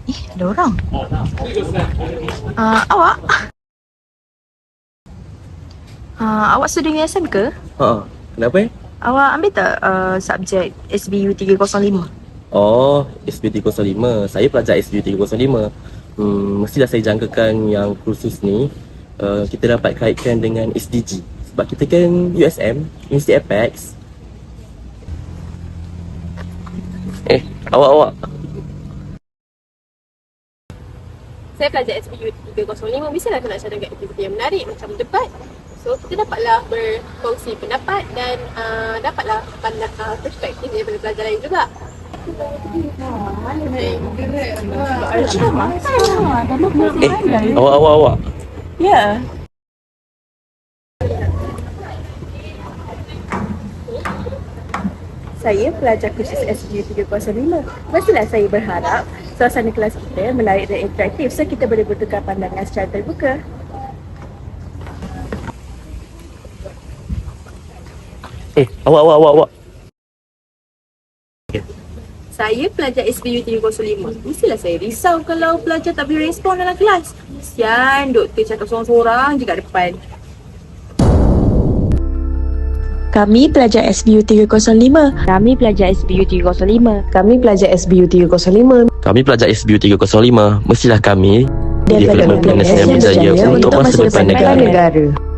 Ada orang. Awak? Awak student USM ke? Kenapa? Awak ambil tak subjek SBU 305? Oh, SBU 305. Saya pelajar SBU 305. Mestilah saya jangkakan yang kursus ni kita dapat kaitkan dengan SDG. Sebab kita kan USM, University Apex. Awak. Saya pelajar SBU 305, mestilah aku nak cadangkan aktiviti yang menarik macam debat. So kita dapatlah berkongsi pendapat dan dapatlah pandang perspektif daripada pelajar lain juga. Awak. Ya. Saya pelajar kursus SBU 305. Mestilah saya berharap suasana kelas kita menarik dan interaktif so kita boleh bertukar pandangan secara terbuka. Awak. Saya pelajar SBU 305. Mestilah saya risau kalau pelajar tak boleh respon dalam kelas. Kesian doktor cakap sorang-sorang je kat depan. Kami pelajar SBU 305. Kami pelajar SBU 305. Kami pelajar SBU 305. Kami pelajar SBU 305. Mestilah kami Development Plan Nasional Budaya untuk masa depan negara. negara.